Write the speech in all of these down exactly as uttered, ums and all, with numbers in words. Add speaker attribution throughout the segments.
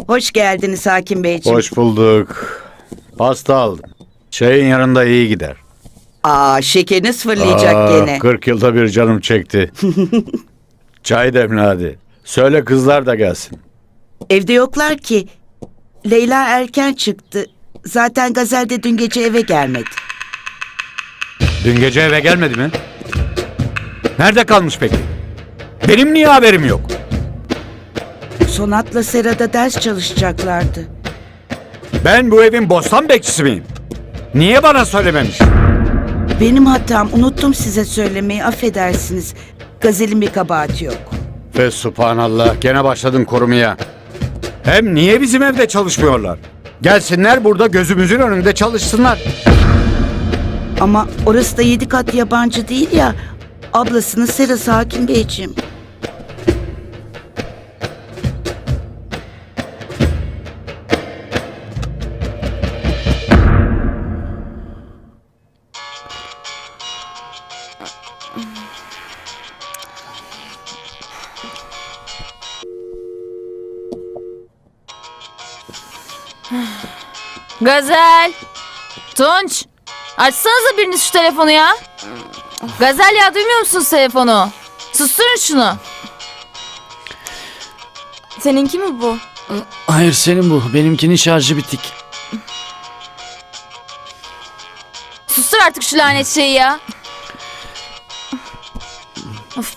Speaker 1: Hoş geldiniz Hakim Beyciğim.
Speaker 2: Hoş bulduk. Pasta aldım. Çayın yanında iyi gider.
Speaker 1: Aa, şekeriniz fırlayacak
Speaker 2: Aa,
Speaker 1: gene.
Speaker 2: kırk yılda bir canım çekti. Çay demle hadi. Söyle kızlar da gelsin.
Speaker 1: Evde yoklar ki. Leyla erken çıktı. Zaten Gazel de dün gece eve gelmedi.
Speaker 2: Dün gece eve gelmedi mi? Nerede kalmış peki? Benim niye haberim yok?
Speaker 1: Sonat'la Sera'da ders çalışacaklardı.
Speaker 2: Ben bu evin bostan bekçisi miyim? Niye bana söylememiş?
Speaker 1: Benim hatam, unuttum size söylemeyi, affedersiniz. Gazel'in bir kabahati yok.
Speaker 2: Ve subhanallah gene başladın korumaya. Hem niye bizim evde çalışmıyorlar? Gelsinler burada gözümüzün önünde çalışsınlar.
Speaker 1: Ama orası da yedi kat yabancı değil ya. Ablasının Serası Hakim Beyciğim.
Speaker 3: Gazel! Tunç! Açsanıza biriniz şu telefonu ya. Gazel ya, duymuyor musunuz telefonu? Susturun şunu. Seninki mi bu?
Speaker 4: Hayır, senin bu. Benimkinin şarjı bitik.
Speaker 3: Sustur artık şu lanet şeyi ya. Of.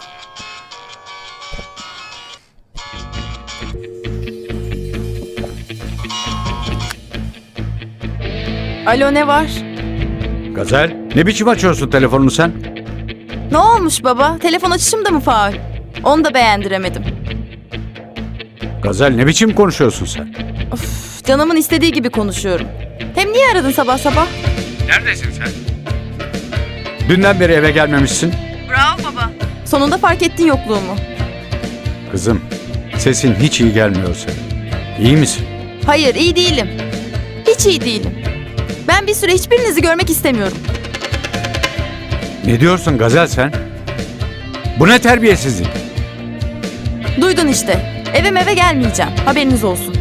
Speaker 5: Alo, ne var?
Speaker 2: Gazel, ne biçim açıyorsun telefonunu sen?
Speaker 5: Ne olmuş baba? Telefon açışım da mı faul? Onu da beğendiremedim.
Speaker 2: Gazel, ne biçim konuşuyorsun sen?
Speaker 5: Of, canımın istediği gibi konuşuyorum. Hem niye aradın sabah sabah?
Speaker 2: Neredesin sen? Dünden beri eve gelmemişsin.
Speaker 5: Bravo baba. Sonunda fark ettin yokluğumu.
Speaker 2: Kızım, sesin hiç iyi gelmiyor senin. İyi misin?
Speaker 5: Hayır, iyi değilim. Hiç iyi değilim. Ben bir süre hiçbirinizi görmek istemiyorum.
Speaker 2: Ne diyorsun Gazel sen? Bu ne terbiyesizlik?
Speaker 5: Duydun işte. Eve eve gelmeyeceğim. Haberiniz olsun.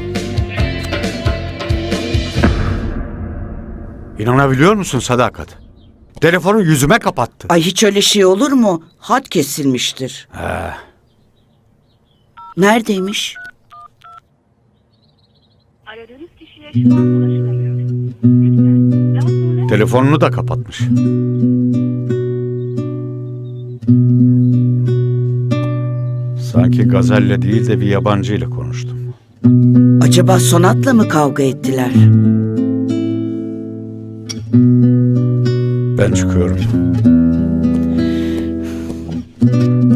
Speaker 2: İnanabiliyor musun Sadakat? Telefonu yüzüme kapattı.
Speaker 1: Ay, hiç öyle şey olur mu? Hat kesilmiştir.
Speaker 2: He.
Speaker 1: Neredeymiş?
Speaker 6: Aradığınız kişiye şu an ulaşılamıyor. Lütfen daha sonra...
Speaker 2: Telefonunu da kapatmış. Sanki Gazel'le değil de bir yabancıyla konuştum.
Speaker 1: Acaba Sonat'la mı kavga ettiler?
Speaker 2: Ben çıkıyorum.